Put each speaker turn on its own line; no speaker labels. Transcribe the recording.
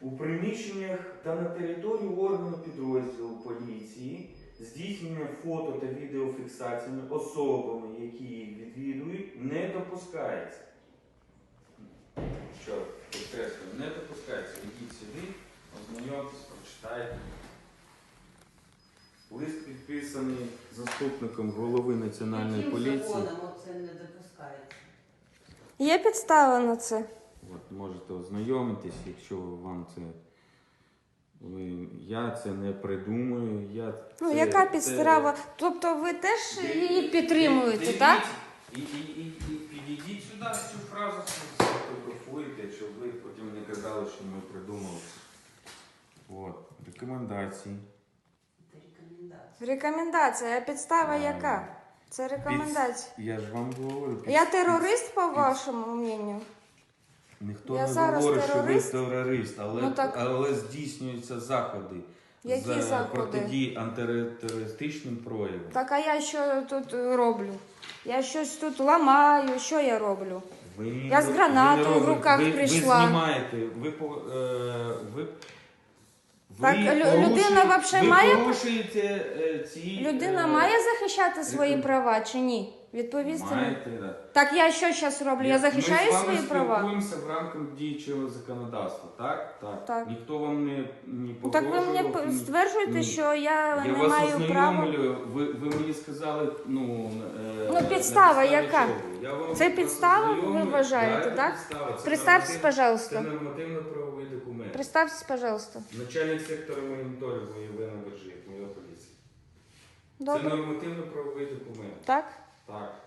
У приміщеннях та на території органу підрозділу поліції здійснення фото та відеофіксаціями особами, які їх відвідують, не допускається. Що, підкреслюю, не допускається. Ідіть сюди, ознайомтесь, прочитайте. Лист підписаний заступником голови Національної поліції.
Яким законом це не допускається?
Є підстава на це?
От, можете ознайомитись, якщо вам це... Я це не придумую.
Яка підстава? Тобто ви теж її підтримуєте, так?
І підійдіть сюди, цю фразу сфотографуєте, щоб ви потім не казали, що ми придумали. От, рекомендації.
Це рекомендація.
Рекомендація. А підстава яка? Це рекомендація.
Я ж вам говорю.
Я терорист, по вашому мненню?
Ніхто
Я
не
зараз
говорить,
терорист?
що ви терорист, але,
Ну, так...
але здійснюються заходи.
Які заходи?
Протидії антитерористичним проявам.
Так, а я що тут роблю? Я щось тут ламаю, що я роблю? Я з гранатою в руках прийшла.
Ви знімаєте,
Так, людина взагалі має...
порушуєте ці...
Людина має захищати свої права чи ні? Відповісти.
Маєте, да.
Так я що зараз роблю? Я захищаю свої права?
Ми з вами спілкуємося в рамках діючого законодавства, так? Так. Ніхто вам не
Ну, так ви
погрожував.
мені стверджуєте, що я не
вас
маю права?
ознайомлюю. Ви мені сказали,
підстава яка?
Це
Це підстава, ви вважаєте, так? Представьтесь, пожалуйста.
Це нормативно-правовий документ.
Представьтесь, пожалуйста.
Начальник сектора моніторингу Євгена Бержик, моя поліція.
Добре.
Це нормативно-правовий документ.
Так?
Так.